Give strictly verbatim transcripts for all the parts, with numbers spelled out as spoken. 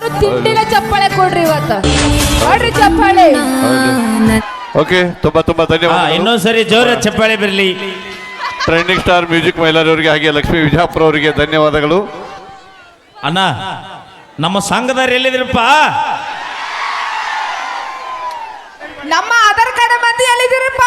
ತಿಂಡಿಲ ಚಪ್ಪಾಳೆ ಕೊಡ್ರಿ ಇವತ್ತು ಕೊಡ್ರಿ ಚಪ್ಪಾಳೆ. ಓಕೆ, ತುಂಬಾ ತುಂಬಾ ಧನ್ಯವಾದ. ಇನ್ನೊಂದ್ಸರಿ ಜೋರ ಚಪ್ಪಾಳೆ ಬರಲಿ. ಟ್ರೆಂಡಿಂಗ್ ಸ್ಟಾರ್ ಮ್ಯೂಸಿಕ್ ಮೈಲಾರವರಿಗೆ ಹಾಗೆ ಲಕ್ಷ್ಮೀ ವಿಜಾಪುರ ಅವರಿಗೆ ಧನ್ಯವಾದಗಳು. ಅಣ್ಣ ನಮ್ಮ ಸಂಘದವ್ರು ಎಲ್ಲಿದ್ರಪ್ಪ? ನಮ್ಮ ಆಧಾರ್ ಕಾರ್ಡ್ ಮಂದಿ ಎಲ್ಲಿದ್ದೀರಪ್ಪ?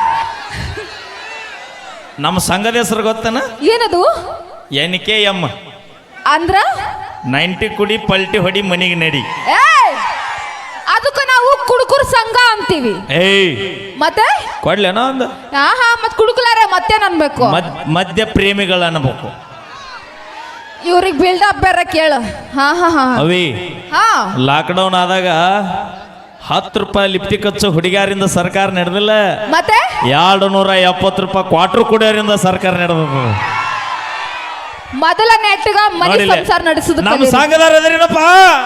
ನಮ್ಮ ಸಂಘದ ಹೆಸರು ಗೊತ್ತನ? ಏನದು? ಎನ್ ಕೆ ಎಂ ಅಂದ್ರ ನೈಂಟಿ ಕುಡಿ ಪಲ್ಟಿ ಹೊಡಿ ಮನಿಗೆ ನಡಿ. ಏಯ್ ಅದಕ್ಕ ನಾವು ಕುಡುಕುರ್ ಸಂಘ ಅಂತೀವಿ. ಏಯ್ ಮತ್ತೆ ಕೊಡ್ಲೇನೋ ಒಂದು ಆಹಾ ಮತ್ ಕುಡುಕುಲಾರೆ ಮತ್ತೇನ್ ಅನ್ಬೇಕು? ಮದ್ಯ ಪ್ರೇಮಿಗಳು ಅನ್ಬೇಕು. ಇವ್ರಿಗೆ ಬಿಲ್ಡಪ್ ಬೇರೆ ಕೇಳು. ಹಾ ಹಾ ಹಾ ಅವಿ ಹಾ ಲಾಕ್ಡೌನ್ ಆದಾಗ ಹತ್ತು ರೂಪಾಯಿ ಲಿಪ್ಟಿಕ್ ಹಚ್ಚೋ ಹುಡುಗಿಯರಿಂದ ಸರ್ಕಾರ ನಡೆದಿಲ್ಲ. ಮತ್ತೆ ಎರಡು ನೂರ ಎಪ್ಪತ್ತು ರೂಪಾಯಿ ಕ್ವಾರ್ಟರ್ ಕುಡಿಯೋರಿಂದ ಸರ್ಕಾರ ನಡೆದ. ಮೊದಲ ನೆಟ್ಗ ಮನೆ ಸಂಸಾರ ನಡೆಸುದು ನಮ್ಮ ಸಂಘದಾರ ಅದ್ರೇನಪ್ಪ?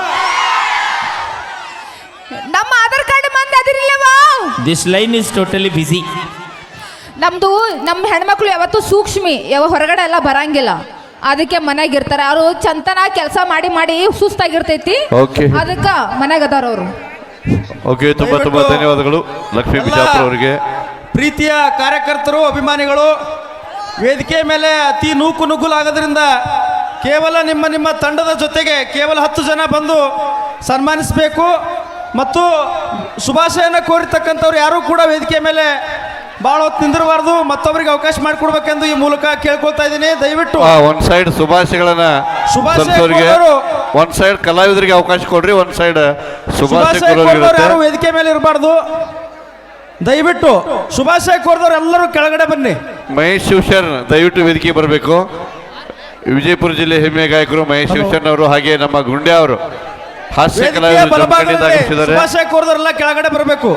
ನಮ್ಮ ಆಧಾರ್ ಕಾರ್ಡ್ ಮಂದಿ ಅದಿರಿಲ್ಲವಾ? This line is totally busy. ನಮ್ದು ನಮ್ಮ ಹೆಣ್ಮಕ್ಳು ಯಾವತ್ತೂ ಸೂಕ್ಷ್ಮಿ, ಯಾವ ಹೊರಗಡೆ ಎಲ್ಲ ಬರಂಗಿಲ್ಲ. ಅದಕ್ಕೆ ಮನೆಯಾಗ ಇರ್ತಾರೆ ಅವರು. ಚಂತನ ಕೆಲಸ ಮಾಡಿ ಮಾಡಿ ಸುಸ್ತಾಗಿರ್ತೈತಿ. ಅದಕ್ಕ ಮನೆಯಾಗ ಅದಾರ ಅವರು. ಓಕೆ, ತುಂಬಾ ತುಂಬಾ ಧನ್ಯವಾದಗಳು ಲಕ್ಷ್ಮೀ ಬಿಜಾಪುರ ಅವರಿಗೆ. ಪ್ರೀತಿಯ ಕಾರ್ಯಕರ್ತರು, ಅಭಿಮಾನಿಗಳು, ವೇದಿಕೆ ಮೇಲೆ ಅತಿ ನೂಕು ನುಗ್ಗುಲಾಗೋದ್ರಿಂದ ಕೇವಲ ನಿಮ್ಮ ನಿಮ್ಮ ತಂಡದ ಜೊತೆಗೆ ಕೇವಲ ಹತ್ತು ಜನ ಬಂದು ಸನ್ಮಾನಿಸಬೇಕು. ಮತ್ತು ಶುಭಾಶಯನ ಕೋರಿರ್ತಕ್ಕಂಥವ್ರು ಯಾರೂ ಕೂಡ ವೇದಿಕೆ ಮೇಲೆ ಭಾಳ ಹೊತ್ತು ನಿಂದಿರಬಾರ್ದು. ಮತ್ತೊಬ್ಬರಿಗೆ ಅವಕಾಶ ಮಾಡಿಕೊಡ್ಬೇಕೆಂದು ಈ ಮೂಲಕ ಕೇಳ್ಕೊಳ್ತಾ ಇದ್ದೀನಿ. ದಯವಿಟ್ಟು ಒಂದ್ ಸೈಡ್ ಶುಭಾಶಯಗಳನ್ನ ಶುಭಾಶಯ ಒಂದ್ ಸೈಡ್ ಕಲಾವಿದರಿಗೆ ಅವಕಾಶ ಕೊಡ್ರಿ, ಒಂದ್ ಸೈಡ್ ಶುಭಾಶಯ ಯಾರು ವೇದಿಕೆ ಮೇಲೆ ಇರಬಾರ್ದು. ದಯವಿಟ್ಟು ಶುಭಾಶಯ ಕೋರಿದವ್ರು ಎಲ್ಲರೂ ಕೆಳಗಡೆ ಬನ್ನಿ. ಮಹೇಶ್ ಶಿವಶರಣ್ ದಯವಿಟ್ಟು ವೇದಿಕೆ ಬರಬೇಕು. ವಿಜಯಪುರ ಜಿಲ್ಲೆ ಹೆಮ್ಮೆಯ ಗಾಯಕರು ಮಹೇಶ್ ಶಿವಶರಣ್ ಅವರು, ಹಾಗೆ ನಮ್ಮ ಗುಂಡೆ ಅವರು ಹಾಸ್ಯ ಕಲಾವಿದರು. ಶುಭಾಶಯ ಕೋರಿದವರೆಲ್ಲ ಕೆಳಗಡೆ ಬರಬೇಕು.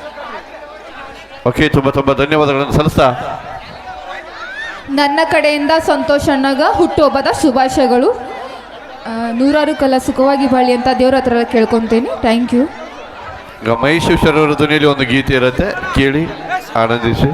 ಓಕೆ, ತುಂಬಾ ತುಂಬಾ ಧನ್ಯವಾದಗಳನ್ನು ಸಲ್ಲಿಸ್ತಾ ನನ್ನ ಕಡೆಯಿಂದ ಸಂತೋಷ್ ಅಣ್ಣಗ ಹುಟ್ಟುಹಬ್ಬದ ಶುಭಾಶಯಗಳು. ನೂರಾರು ಕಲ ಸುಖವಾಗಿ ಬಾಳಿ ಅಂತ ದೇವ್ರ ಹತ್ರ ಕೇಳ್ಕೊಂತೀನಿ. Thank you. ಈಗ ಮಹೇಶ್ ಶಿವಶರಣ್ ಅವರ ಧ್ವನಿಯಲ್ಲಿ ಒಂದು ಗೀತೆ ಇರುತ್ತೆ, ಕೇಳಿ ಆನಂದಿಸಿ.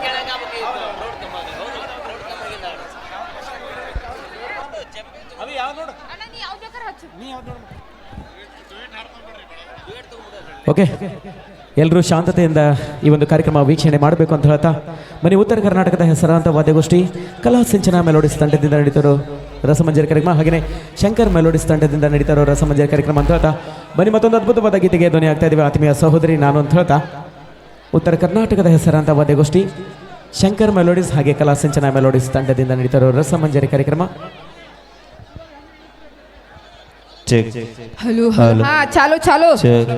ಓಕೆ, ಎಲ್ಲರೂ ಶಾಂತತೆಯಿಂದ ಈ ಒಂದು ಕಾರ್ಯಕ್ರಮ ವೀಕ್ಷಣೆ ಮಾಡಬೇಕು ಅಂತ ಹೇಳ್ತಾ ಮನೆ ಉತ್ತರ ಕರ್ನಾಟಕದ ಹೆಸರಾಂತ ವಾದ್ಯಗೋಷ್ಠಿ ಕಲಾ ಸಿಂಚನ ಮೆಲೋಡಿಸ್ ತಂಡದಿಂದ ನಡೀತಾರೋ ರಸಮಂಜರಿ ಕಾರ್ಯಕ್ರಮ, ಹಾಗೆಯೇ ಶಂಕರ್ ಮೆಲೋಡಿಸ್ ತಂಡದಿಂದ ನಡೀತಾರೋ ರಸಮಂಜರಿ ಕಾರ್ಯಕ್ರಮ ಅಂತ ಹೇಳ್ತಾ ಬನ್ನಿ ಮತ್ತೊಂದು ಅದ್ಭುತವಾದ ಗೀತೆಗೆ ಧ್ವನಿ ಆಗ್ತಾ ಇದ್ದೀವಿ. ಆತ್ಮೀಯ ಸಹೋದರಿ ನಾನು ಅಂತ ಹೇಳ್ತಾ ಉತ್ತರ ಕರ್ನಾಟಕದ ಹೆಸರಾಂತ ವಾದ್ಯಗೋಷ್ಠಿ ಶಂಕರ್ ಮೆಲೋಡಿಸ್ ಹಾಗೆ ಕಲಾ ಸಿಂಚನ ಮೆಲೋಡಿಸ್ ತಂಡದಿಂದ ನಡೀತಾರೋ ರಸಮಂಜರಿ ಕಾರ್ಯಕ್ರಮ. ಹಲೋ ಹಾ ಚಾಲು ಚಾಲು.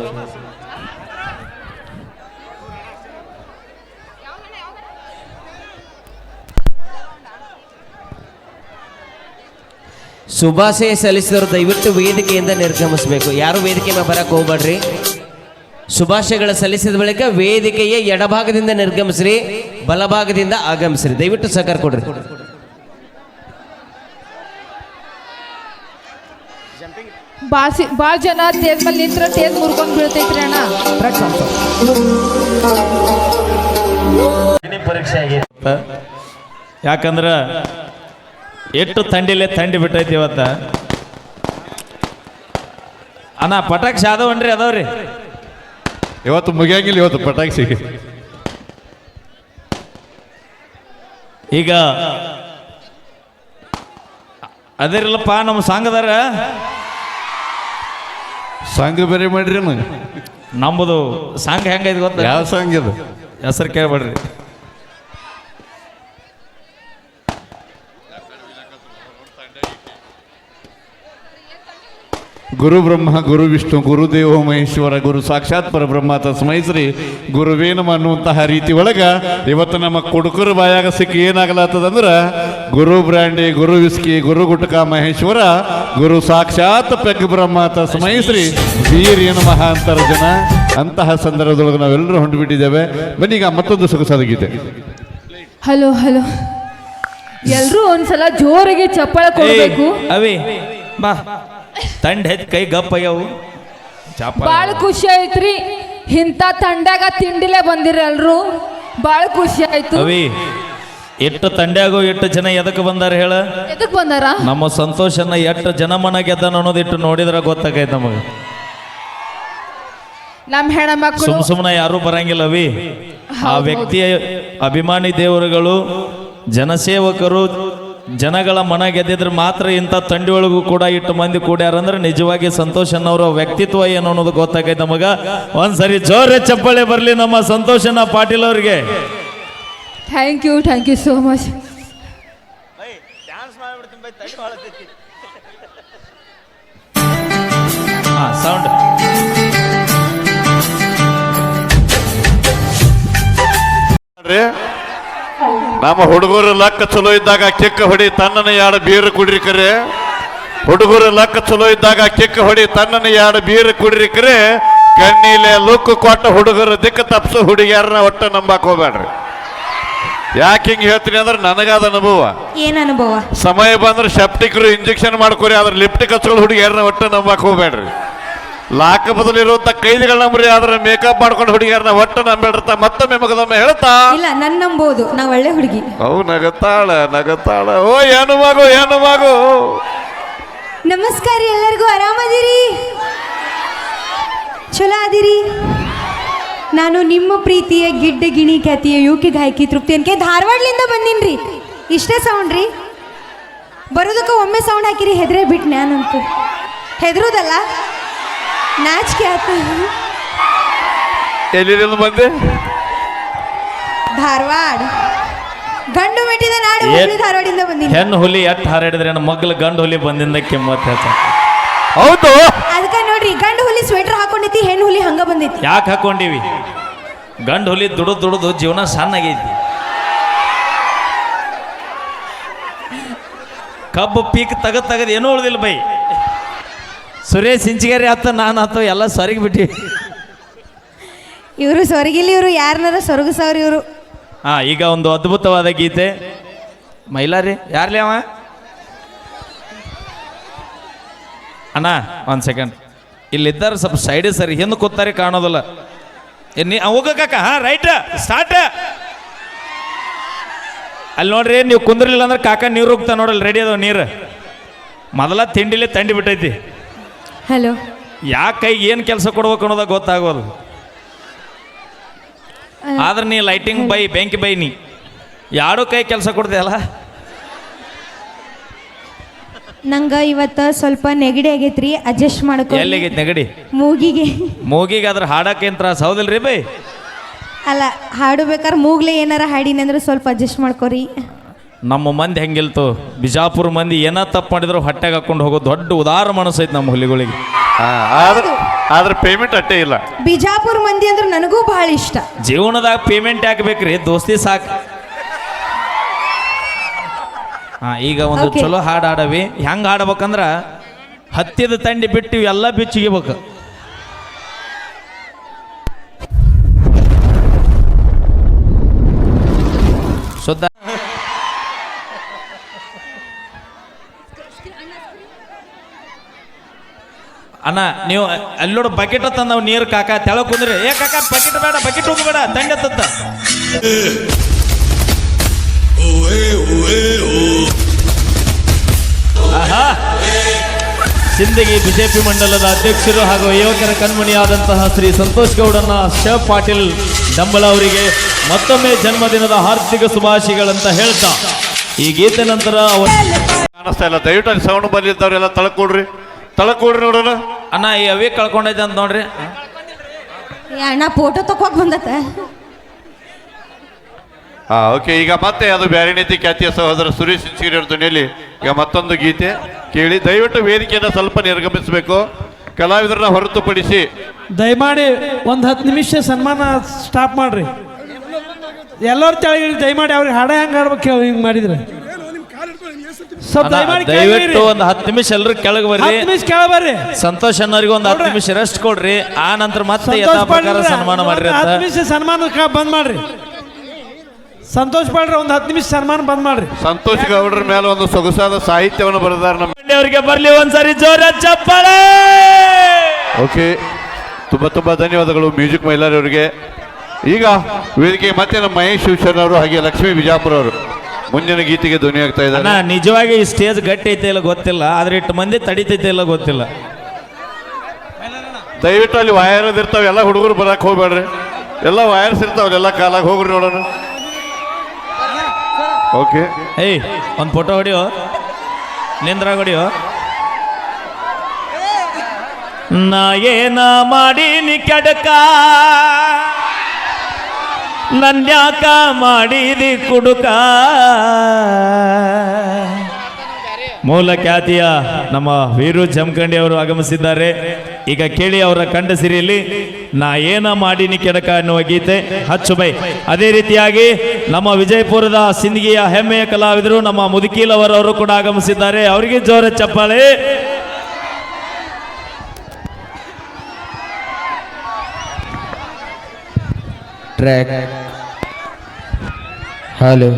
ಶುಭಾಶಯ ಸಲ್ಲಿಸಿದವರು ದಯವಿಟ್ಟು ವೇದಿಕೆಯಿಂದ ನಿರ್ಗಮಿಸಬೇಕು. ಯಾರು ವೇದಿಕೆ ಮೇಲೆ ಬರಕ್ಕೆ ಹೋಗ್ಬೇಡ್ರಿ. ಶುಭಾಶಯಗಳ ಸಲ್ಲಿಸಿದ ಬಳಿಕ ವೇದಿಕೆಯ ಎಡಭಾಗದಿಂದ ನಿರ್ಗಮಿಸ್ರಿ, ಬಲಭಾಗದಿಂದ ಆಗಮಿಸ್ರಿ. ದಯವಿಟ್ಟು ಸಹಕಾರ ಕೊಡ್ರಿ. ಬಾಸಿ ಭಾಳ ಜನ ತೇಜ್ ಮೇಲೆ ನಿಂತ್ರ ತೇಜ್ ಮುರ್ಕೊಂಡು ಬೀಳ್ತೈತ್ರಿ ಅಣ್ಣ. ಪರೀಕ್ಷೆ ಆಗಿತ್ತು ಯಾಕಂದ್ರೆ ಎಷ್ಟು ಥಂಡಿಲೇ ಥಂಡಿ ಬಿಟ್ಟೈತಿ ಇವತ್ತ. ಅಣ್ಣ ಪಟಾಕ್ಷಿ ಆದವನ್ರಿ ಅದಾವ್ರಿ ಇವತ್ತು ಮುಗಿಯಂಗಿಲ್ಲ. ಇವತ್ತು ಪಟಾಕ್ಷಿ ಈಗ ಅದಿರಲ್ಲಪ್ಪ. ನಮ್ಮ ಸಂಘದಾರ ಸಾಂಗ್ ಬೇರೆ ಮಾಡ್ರಿ. ನಮ್ಮದು ಸಾಂಗ್ ಹೆಂಗೈತಿ ಗೊತ್ತ? ಯಾವ ಸಾಂಗ್ ಇದು? ಹೆಸರು ಕೇಳ್ಬೇಡ್ರಿ. ಗುರು ಬ್ರಹ್ಮ ಗುರು ವಿಷ್ಣು ಗುರುದೇವ ಮಹೇಶ್ವರ ಗುರು ಸಾಕ್ಷಾತ್ ಪರಬ್ರಹ್ಮ ತಸ್ಮೈ ಶ್ರೀ ಗುರುವೇ ನಮಃ ಅನ್ನುವಂತಹ ರೀತಿ ಒಳಗ ಇವತ್ತು ನಮ್ಮ ಕುಡುಕರು ಬಾಯಾಗ ಸಿಕ್ಕಿ ಏನಾಗಲಾತದಂದ್ರ ಗುರು ಬ್ರ್ಯಾಂಡಿ ಗುರು ವಿಸ್ಕಿ ಗುರು ಗುಟಕ ಮಹೇಶ್ವರ ಗುರು ಸಾಕ್ಷಾತ್ ಪೆಗ್ ಬ್ರಹ್ಮ ತಸ್ಮೈ ಶ್ರೀ ವೀರ್ಯ ನಮಃ ಅಂತರ ಜನ. ಅಂತಹ ಸಂದರ್ಭದೊಳಗೆ ನಾವೆಲ್ಲರೂ ಹೊಂಟುಬಿಟ್ಟಿದ್ದೇವೆ. ಬನ್ನೀಗ ಮತ್ತೊಂದು ಸೊಗಸಾದ ಗೀತೆ. ಹಲೋ ಹಲೋ, ಎಲ್ರೂ ಒಂದ್ಸಲ ಜೋರಾಗಿ ಚಪ್ಪಾಳೆ ಕೊಡ್ಬೇಕು. ಅವೇ ಬಾ, ತಂಡ ಹೆದ್ ಕೈ ಗಪ್ಪ ಆಗ್ಯಾವು. ಬಾಳ ಖುಷಿ ಆಯ್ತ್ರಿ. ಇಂಥ ತಂಡಾಗ ತಿಂಡಿಲೇ ಬಂದಿರ ಎಲ್ರು. ಬಾಳ ಖುಷಿ ಆಯ್ತು. ಅವಿ ಎಷ್ಟು ತಂಡ್ಯಾಗೋ ಎಷ್ಟು ಜನ ಎದಕ್ಕೆ ಬಂದಾರ ಹೇಳ ಎದಕ್ ಬಂದಾರ? ನಮ್ಮ ಸಂತೋಷನ ಎಷ್ಟು ಜನಮನ ಗೆದ್ದಾನ ಅನ್ನೋದಿಟ್ಟು ನೋಡಿದ್ರೆ ಗೊತ್ತಾಗೈತೆ ನಮಗೆ. ನಮ್ ಹೆಣ್ಮಕ್ಳು ಸುಮ್ ಸುಮ್ಮನೆ ಯಾರು ಬರಂಗಿಲ್ಲವಿ. ಆ ವ್ಯಕ್ತಿಯ ಅಭಿಮಾನಿ ದೇವರುಗಳು, ಜನಸೇವಕರು, ಜನಗಳ ಮನ ಗೆದ್ದಿದ್ರೆ ಮಾತ್ರ ಇಂಥ ತಂಡಿ ಒಳಗೂ ಕೂಡ ಇಟ್ಟು ಮಂದಿ ಕೂಡ್ಯಾರಂದ್ರೆ ನಿಜವಾಗಿ ಸಂತೋಷನವರ ವ್ಯಕ್ತಿತ್ವ ಏನು ಅನ್ನೋದು ಗೊತ್ತಾಗೈತೆ ನಮಗ. ಒಂದ್ಸರಿ ಜೋರೇ ಚಪ್ಪಾಳೆ ಬರಲಿ ನಮ್ಮ ಸಂತೋಷನ ಪಾಟೀಲ್ ಅವ್ರಿಗೆ. Thank you thank you so much. ಹಾ ಸೌಂಡ್ ನಮ್ಮ ಹುಡುಗರು ಲಕ್ಕ ಚಲೋ ಇದ್ದಾಗ ಕಿಕ್ಕ ಹೊಡಿ ತನ್ನನ ಯಾಡ ಬೀರು ಕುಡ್ರಿ ಕರೆ. ಹುಡುಗರು ಲಕ್ಕ ಚಲೋ ಇದ್ದಾಗ ಕಿಕ್ಕ ಹೊಡಿ ತನ್ನನ ಯಾಡ ಬೀರು ಕುಡ್ರಿ ಕರೆ. ಕಣ್ಣೀಲೆ ಲುಕ್ ಕೊಟ್ಟ ಹುಡುಗರು ದಿಕ್ಕ ತಪ್ಸು ಹುಡುಗಿಯಾರನ್ನ ಒಟ್ಟ ನಂಬಾಕ್ ಹೋಗ್ಬೇಡ್ರಿ. ಯಾಕೆ ಹಿಂಗೆ ಹೇಳ್ತೀನಿ ಅಂದ್ರೆ ನನಗಾದ ಅನುಭವ. ಏನ್ ಅನುಭವ? ಸಮಯ ಬಂದ್ರೆ ಸೆಪ್ಟಿಕ್ರು ಇಂಜೆಕ್ಷನ್ ಮಾಡ್ಕೊರಿ, ಆದ್ರೆ ಲಿಪ್ಟಿಕ್ ಹಚ್ಕೊಂಡು ಹುಡುಗಿಯಾರನ್ನ ಒಟ್ಟ ನಂಬಾಕ್ ಹೋಗ್ಬೇಡ್ರಿ. ಲಾಕ ಬದಲಿರುವಂತ ಕೈದಿಗಳ ನಂಬ್ರಿ, ಆದ್ರೆ ಮೇಕಪ್ ಮಾಡ್ಕೊಂಡು ಹುಡುಗಿಯಾರನ್ನ ಒಟ್ಟ ನಂಬೇಡ್ರತ ಮತ್ತೊಮ್ಮೆ ಮಗದೊಮ್ಮೆ ಹೇಳ್ತಾ ಇಲ್ಲ, ನನ್ ನಂಬೋದು, ನಾ ಒಳ್ಳೆ ಹುಡುಗಿ. ಅವು ನಗತಾಳ ನಗತಾಳ. ಓ ಏನು ಮಗು ಏನು ಮಗು. ನಮಸ್ಕಾರ, ಎಲ್ಲರಿಗೂ ಆರಾಮದಿರಿ? ಚಲೋ ಅದಿರಿ? ನಾನು ನಿಮ್ಮ ಪ್ರೀತಿಯ ಗಿಡ್ಡ ಗಿಣಿ ಖ್ಯಾತಿಯ ಯುಕೆ ಗಾಯಕಿ ತೃಪ್ತಿ ಅನ್ಕೆ ಧಾರವಾಡಲಿಂದ ಬಂದೀನ್ರಿ. ಇಷ್ಟೇ ಸೌಂಡ್ ರೀ. ಬರೋದಕ್ಕೆ ಒಮ್ಮೆ ಸೌಂಡ್ ಹಾಕಿರಿ, ಹೆದ್ರೆ ಬಿಟ್ಟು ನಾನಂತೂ ಹೆದರೋದಲ್ಲ, ನಾಚಿಕೆ ಆತ. ಎಲ್ಲಿಂದ ಬಂದೆ? ಧಾರವಾಡ, ಗಂಡು ಮೆಟ್ಟಿದ ನಾಡು, ಹುಬ್ಳಿ ಧಾರವಾಡಿಂದ ಬಂದೀನಿ. ಹೆಣ್ಣು ಹುಲಿ ಎಟ್ಟು ಹಾರಾಡಿದ್ರೆ ನನ್ನ ಮಗ್ಳು ಗಂಡು ಹುಲಿ ಬಂದಿಂದ ಕೆಮ್ಮತ್ ಹೇಳ್ತ. ಹೌದು, ಅದಕ್ಕೆ ನೋಡ್ರಿ, ಗಂಡು ಹುಲಿ ಸ್ವೆಟರ್ ಹಾಕೊಂಡೈತಿ, ಹೆಣ್ಣು ಹುಲಿ ಹಂಗ ಬಂದೈತಿ. ಯಾಕೆ ಹಾಕೊಂಡಿವಿ? ಗಂಡು ಹುಲಿ ದುಡಿದು ದುಡಿದು ಜೀವನ ಸಣ್ಣಗೈತಿ. ಕಬ್ಬು ಪೀಕ್ ತಗದ್ ತಗದ್ ಏನೂ ಉಳ್ದಿಲ್ಲ ಬೈ. ಸುರೇಶ್ ಸಿಂಚಿಗೇರಿ ಆತ ನಾನು ಆತ ಎಲ್ಲ ಸರಿಗೆ ಬಿಟ್ಟಿ. ಇವರು ಸೊರಗಿಲಿ, ಇವರು ಯಾರನ್ನಾರ ಸೊರಗಸವ್ರಿ ಇವರು. ಹಾ, ಈಗ ಒಂದು ಅದ್ಭುತವಾದ ಗೀತೆ. ಮೈಲಾರಿ ಯಾರ್ಲಿ ಅವ? ಅಣ್ಣ ಒಂದು ಸೆಕೆಂಡ್, ಇಲ್ಲಿದ್ದಾರೆ ಸ್ವಲ್ಪ ಸೈಡ್ ಸರಿ, ಹಿಂದೆ ಕೂತಾರೆ ಕಾಣೋದಿಲ್ಲ. ನೀ ಹೋಗಕ್ಕ. ಹಾ ರೈಟ್ ಸ್ಟಾರ್ಟ್. ಅಲ್ಲಿ ನೋಡ್ರಿ, ನೀವು ಕುಂದ್ರಲಿಲ್ಲ ಅಂದ್ರೆ ಕಾಕ ನೀರು ಹೋಗ್ತಾ ನೋಡಲ್ಲ, ರೆಡಿ ಅದಾವ ನೀರು. ಮೊದಲ ತಿಂಡಿಲೇ ತಂಡಿ ಬಿಟ್ಟೈತಿ. ಹಲೋ, ಯಾಕೆ ಕೈಗೆ ಏನು ಕೆಲಸ ಕೊಡ್ಬೇಕು ಅನ್ನೋದ ಗೊತ್ತಾಗೋದು. ಆದ್ರೆ ನೀ ಲೈಟಿಂಗ್ ಬೈ, ಬೆಂಕಿ ಬೈ, ನೀ ಯಾರೋ ಕೈ ಕೆಲಸ ಕೊಡ್ತೀಯಲ್ಲ. ನಂಗ ಇವತ್ತ ಸ್ವಲ್ಪ ನೆಗಡಿ ಆಗೈತ್ರಿ, ಅಡ್ಜಸ್ಟ್ ಮಾಡ್ಕೊ. ಎಲ್ಲಿಗೈತಿ ನೆಗಡಿ? ಮೂಗಿಗೆ. ಮೂಗಿಗೆ ಅದ್ರ ಹಾಡಕ್ಕೆ ಅಂತ ಹೌದಿಲ್ರಿ ಬೈ? ಅಲ್ಲ, ಹಾಡು ಬೇಕಾದ್ರೆ ಮೂಗ್ಲೆ ಏನಾರ ಹಾಡಿನಿ ಅಂದ್ರೆ ಸ್ವಲ್ಪ ಅಡ್ಜಸ್ಟ್ ಮಾಡ್ಕೊರಿ. ನಮ್ಮ ಮಂದಿ ಹೆಂಗಿಲ್ತು, ಬಿಜಾಪುರ ಮಂದಿ ಏನ ತಪ್ಪು ಮಾಡಿದ್ರು ಹೊಟ್ಟೆಗೆ ಹಾಕೊಂಡು ಹೋಗೋ ದೊಡ್ಡ ಉದಾರ ಮನಸ್ಸೈತಿ ನಮ್ಮ ಹುಲಿಗಳಿಗೆ. ಆದ್ರೆ ಆದ್ರೆ ಪೇಮೆಂಟ್ ಅಟ್ಟೇ ಇಲ್ಲ. ಬಿಜಾಪುರ ಮಂದಿ ಅಂದ್ರೆ ನನಗೂ ಬಹಳ ಇಷ್ಟ. ಜೀವನದಾಗ ಪೇಮೆಂಟ್ ಯಾಕೆ ಬೇಕ್ರಿ, ದೋಸ್ತಿ ಸಾಕು. ಹಾ, ಈಗ ಒಂದು Okay. ಚಲೋ ಹಾಡು ಹಾಡವಿ. ಹೆಂಗೆ ಹಾಡ್ಬೇಕಂದ್ರ ಹತ್ತಿದ ತಂಡಿ ಬಿಟ್ಟು ಎಲ್ಲ ಬಿಚ್ಚಿಗಿಬೇಕು. ಶುದ್ಧ ಅಣ್ಣ, ನೀವು ಅಲ್ಲೋಡು ಬಕೆಟ್ ತಂದ ನಾವು ನೀರು ಕಾಕ ತೆಳ ಕುಂದ್ರಿ. ಏ ಕಾಕ, ಬಕೆಟ್ ಬೇಡ, ಬಕೆಟ್ ಹೋಗಬೇಡ, ತಂಡಿ ಹತ್ತತ್ತ. ಆಹಾ, ಸಿಂದಗಿ ಬಿಜೆಪಿ ಮಂಡಲದ ಅಧ್ಯಕ್ಷರು ಹಾಗೂ ಯುವಕರ ಕಣ್ಮಣಿಯಾದಂತಹ ಶ್ರೀ ಸಂತೋಷ್ ಗೌಡನ್ನ ಶ ಪಾಟೀಲ್ ಡಂಬಳ ಅವರಿಗೆ ಮತ್ತೊಮ್ಮೆ ಜನ್ಮದಿನದ ಹಾರ್ದಿಕ ಶುಭಾಶಯಗಳಂತ ಹೇಳ್ತಾ ಈ ಗೀತೆ ನಂತರ ಅವರು ಕಾಣಿಸ್ತಾ ಇಲ್ಲ. ದಯವಿಟ್ಟು ಸೌಂಡ್ ಬಂದಿದ್ದವ್ರೆಲ್ಲ ತಳಕೊಡ್ರಿ, ತಳಕೊಡ್ರಿ ನೋಡೋಣ. ಅಣ್ಣ ಈ ಅವೇ ಕಳ್ಕೊಂಡೈತೆ ಅಂತ ನೋಡ್ರಿ. ಅಣ್ಣ ಫೋಟೋ ತಕೋಕ್ ಬಂದತ್ತ. ಹಾ ಓಕೆ, ಈಗ ಮತ್ತೆ ಅದು ಬ್ಯಾರಿ ನೀತಿ ಖ್ಯಾತಿಯ ಸಹೋದರ ಸುರೇಶ್ ಸಿಂಚಿಗಿರಿ ಅವ್ರ ಧ್ವನಿಯಲ್ಲಿ ಈಗ ಮತ್ತೊಂದು ಗೀತೆ ಕೇಳಿ. ದಯವಿಟ್ಟು ವೇದಿಕೆಯನ್ನು ಸ್ವಲ್ಪ ನಿರ್ಗಮಿಸಬೇಕು, ಕಲಾವಿದರನ್ನ ಹೊರತುಪಡಿಸಿ. ದಯಮಾಡಿ ಒಂದು ಹತ್ತು ನಿಮಿಷ ಸನ್ಮಾನ ಸ್ಟಾಪ್ ಮಾಡ್ರಿ. ಎಲ್ಲರೂ ತೆಳಗಿರಿ ದಯಮಾಡಿ. ಅವ್ರಿಗೆ ಹಾಡ ಹೆಂಗೆ ಆಡ್ಬೇಕು ಹಿಂಗೆ ಮಾಡಿದ್ರೆ ಸ್ವಲ್ಪ ದಯಮಾಡಿ ದಯವಿಟ್ಟು ಒಂದು ಹತ್ತು ನಿಮಿಷ ಎಲ್ಲರೂ ಕೆಳಗೆ ಬರ್ರಿ. ಹತ್ತು ನಿಮಿಷ ಕೆಳ ಬರ್ರಿ. ಸಂತೋಷ್ ಅನ್ನೋರಿಗೆ ಒಂದು ಹತ್ತು ನಿಮಿಷ ರೆಸ್ಟ್ ಕೊಡ್ರಿ. ಆ ನಂತರ ಮತ್ತೆ ಯಥಾ ಪ್ರಕಾರ ಸನ್ಮಾನ ಮಾಡ್ರಿ ಅಂತ. ಹತ್ತು ನಿಮಿಷ ಸನ್ಮಾನ ಬಂದ್ ಮಾಡ್ರಿ. ಸಂತೋಷ್ ಪಾಡ್ರಿ ಒಂದು ಹತ್ತು ನಿಮಿಷ ಸನ್ಮಾನ ಬಂದ್ ಮಾಡ್ರಿ. ಸಂತೋಷ್ ಗೌಡ್ರ ಮೇಲೆ ಒಂದು ಸೊಗಸಾದ ಸಾಹಿತ್ಯವನ್ನು ಬರೆದಾರ ನಮ್ಮ. ಅವರಿಗೆ ಬರ್ಲಿ ಒಂದ್ಸರಿ ಜೋರ ಚಪ್ಪಾಳೆ. ಓಕೆ, ತುಂಬಾ ತುಂಬಾ ಧನ್ಯವಾದಗಳು ಮ್ಯೂಸಿಕ್ ಮೈಲಾರಿ ಅವರಿಗೆ. ಈಗ ವೇದಿಕೆ ಮತ್ತೆ ನಮ್ಮ ಮಹೇಶ್ ಶಿವಶರಣ ಅವರು ಹಾಗೆ ಲಕ್ಷ್ಮೀ ಬಿಜಾಪುರ ಅವರು ಮುಂದಿನ ಗೀತೆಗೆ ಧ್ವನಿ ಆಗ್ತಾ ಅಣ್ಣ ಇದ್ದಾರೆ. ನಿಜವಾಗಿ ಈ ಸ್ಟೇಜ್ ಗಟ್ಟಿ ಐತೆ ಇಲ್ಲ ಗೊತ್ತಿಲ್ಲ ಆದ್ರೆ ಇಟ್ಟು ಮಂದಿ ತಡಿತೈತೆ ಇಲ್ಲ ಗೊತ್ತಿಲ್ಲ. ದಯವಿಟ್ಟು ಅಲ್ಲಿ ವಯರ್ಸ್ ಇರ್ತಾವೆ, ಎಲ್ಲ ಹುಡುಗರು ಬರಕ್ ಹೋಗ್ಬೇಡ್ರಿ. ಎಲ್ಲ ವಯರ್ಸ್ ಇರ್ತಾವಲ್ಲ, ಎಲ್ಲ ಕಾಲಾಗ ಹೋಗ್ರಿ ನೋಡೋಣ. ಓಕೆ, ಏಯ್ ಒಂದು ಫೋಟೋ ಹೊಡಿಯೋ, ನಿಂದ್ರಾಗ ಹೊಡಿಯೋ. ನಾ ಏನ ಮಾಡೀನಿ ಕೆಡಕ, ನನ್ಯಾಕ ಮಾಡಿದಿ ಕುಡುಕ. ಮೂಲ ಖ್ಯಾತಿಯ ನಮ್ಮ ವೀರು ಜಮಖಂಡಿ ಅವರು ಆಗಮಿಸಿದ್ದಾರೆ. ಈಗ ಕೇಳಿ ಅವರ ಕಂಠ ಸಿರಿಯಲ್ಲಿ ನಾ ಏನ ಮಾಡೀನಿ ಕೆಡಕ ಅನ್ನುವ ಗೀತೆ ಹಚ್ಚು ಬೈ. ಅದೇ ರೀತಿಯಾಗಿ ನಮ್ಮ ವಿಜಯಪುರದ ಸಿಂದಗಿಯ ಹೆಮ್ಮೆಯ ಕಲಾವಿದರು ನಮ್ಮ ಮುದುಕೀಲವರವರು ಕೂಡ ಆಗಮಿಸಿದ್ದಾರೆ. ಅವರಿಗೆ ಜೋರ ಚಪ್ಪಾಳೆ. ಟ್ರ್ಯಾಕ್ ಹಲೋ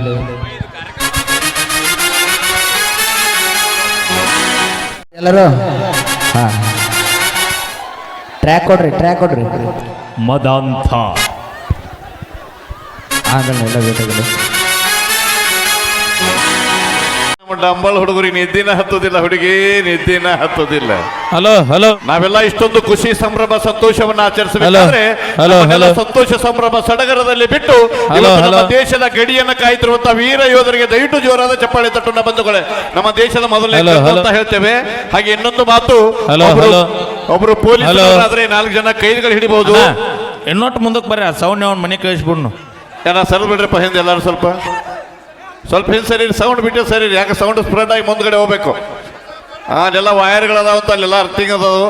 ಎಲ್ಲರೂ ಹಾ ಟ್ರ್ಯಾಕ್ ಕೊಡ್ರಿ ಟ್ರ್ಯಾಕ್ ಕೊಡ್ರಿ ಮದಾಂಥ ಆಗಲ್ಲ ಎಲ್ಲ ಬೇಕಾಗಿಲ್ಲ. ನಮ್ಮ ಡಂಬಲ್ ಹುಡುಗರಿಗೆ ನಿದ್ದಿನ ಹತ್ತೋದಿಲ್ಲ, ಹುಡುಗಿ ನಿದ್ದಿನ ಹತ್ತೋದಿಲ್ಲ. ಹಲೋ ಹಲೋ ನಾವೆಲ್ಲ ಇಷ್ಟೊಂದು ಖುಷಿ ಸಂಭ್ರಮ ಸಂತೋಷವನ್ನ ಆಚರಿಸಬೇಕಾದ್ರೆ ಹಲೋ, ನಮ್ಮನ್ನೆಲ್ಲ ಹಲೋ. ಸಂತೋಷ ಸಂಭ್ರಮ ಸಡಗರದಲ್ಲಿ ಬಿಟ್ಟು ಹಲೋ, ಇವತ್ತು ನಮ್ಮ ಹಲೋ. ದೇಶದ ಗಡಿಯನ್ನ ಕಾಯ್ತಿರುವಂತಹ ವೀರ ಯೋಧರಿಗೆ ದಯವಿಟ್ಟು ಜೋರಾದ ಚಪ್ಪಾಳೆ ತಟ್ಟುನ ಬಂಧುಗಳೇ. ನಮ್ಮ ದೇಶದ ಮೊದಲನೇ ಹಲೋ, ಕರ್ತ ಹಲೋ. ಅಂತ ಹೇಳ್ತೇವೆ. ಹಾಗೆ ಇನ್ನೊಂದು ಮಾತು, ಹಲೋ, ಒಬ್ರು- ಹಲೋ. ಒಬ್ರು ಪೊಲೀಸ್ ಹಲೋ. ಆದ್ರೆ ನಾಲ್ಕು ಜನ ಕೈದಿಗಳು ಹಿಡಿಬಹುದು. ಇನ್ನೊಟ್ಟು ಮುಂದಕ್ಕೆ ಬರ್ರಿ, ಸೌಂಡ್ ಅವ್ನ ಮನೆ ಕಳಿಸ್ಬಿಡ್ನು. ಏನ ಸರ್ ಬಿಡ್ರಪ್ಪ ಹಿಂದೆ ಎಲ್ಲರೂ ಸ್ವಲ್ಪ ಸ್ವಲ್ಪ ಹಿಂದೆ ಸರಿ, ಸೌಂಡ್ ಬಿಟ್ಟು ಸರಿ, ಯಾಕೆ ಸೌಂಡ್ ಸ್ಪ್ರೆಡ್ ಆಗಿ ಮುಂದ್ಗಡೆ ಹೋಗ್ಬೇಕು. ಆ ಅಲ್ಲೆಲ್ಲ ವಯರ್ಗಳದಾವಂತ, ಅಲ್ಲೆಲ್ಲ ಅರ್ಥಿಂಗ್ ಅದಾವು.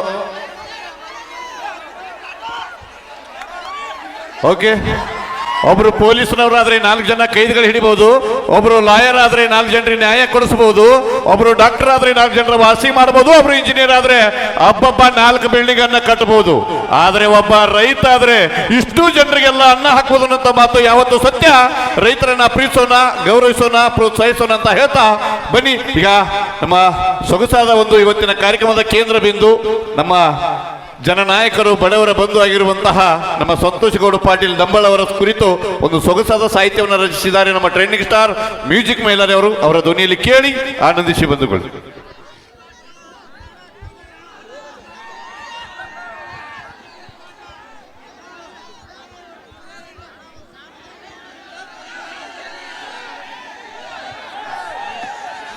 ಓಕೆ, ಒಬ್ರು ಪೊಲೀಸ್ನವರಾದ್ರೆ ನಾಲ್ಕು ಜನ ಕೈದಿಗಳು ಹಿಡಿಬಹುದು, ಒಬ್ರು ಲಾಯರ್ ಆದ್ರೆ ನಾಲ್ಕು ಜನರಿಗೆ ನ್ಯಾಯ ಕೊಡಿಸಬಹುದು, ಒಬ್ರು ಡಾಕ್ಟರ್ ಆದ್ರೆ ನಾಲ್ಕು ಜನರ ವಾಸಿ ಮಾಡಬಹುದು, ಒಬ್ರು ಇಂಜಿನಿಯರ್ ಆದ್ರೆ ಹಬ್ಬಬ್ಬ ನಾಲ್ಕು ಬಿಲ್ಡಿಂಗ್ ಅನ್ನ ಕಟ್ಟಬಹುದು. ಆದ್ರೆ ಒಬ್ಬ ರೈತ ಆದ್ರೆ ಇಷ್ಟು ಜನರಿಗೆಲ್ಲ ಅನ್ನ ಹಾಕುವುದು ಅನ್ನೋ ಮಾತು ಯಾವತ್ತು ಸತ್ಯ. ರೈತರನ್ನ ಪ್ರೀತಿಸೋಣ, ಗೌರವಿಸೋಣ, ಪ್ರೋತ್ಸಾಹಿಸೋಣ ಅಂತ ಹೇಳ್ತಾ ಬನ್ನಿ. ಈಗ ನಮ್ಮ ಸೊಗಸಾದ ಒಂದು ಇವತ್ತಿನ ಕಾರ್ಯಕ್ರಮದ ಕೇಂದ್ರ ಬಿಂದು ನಮ್ಮ ಜನನಾಯಕರು, ಬಡವರ ಬಂಧು ಆಗಿರುವಂತಹ ನಮ್ಮ ಸಂತೋಷಗೌಡ ಪಾಟೀಲ್ ಡಂಬಳ ಅವರ ಕುರಿತು ಒಂದು ಸೊಗಸಾದ ಸಾಹಿತ್ಯವನ್ನು ರಚಿಸಿದ್ದಾರೆ ನಮ್ಮ ಟ್ರೆಂಡಿಂಗ್ ಸ್ಟಾರ್ ಮ್ಯೂಸಿಕ್ ಮೈಲಾರಿ ಅವರು. ಅವರ ಧ್ವನಿಯಲ್ಲಿ ಕೇಳಿ ಆನಂದಿಸಿ ಬಂಧುಗಳು.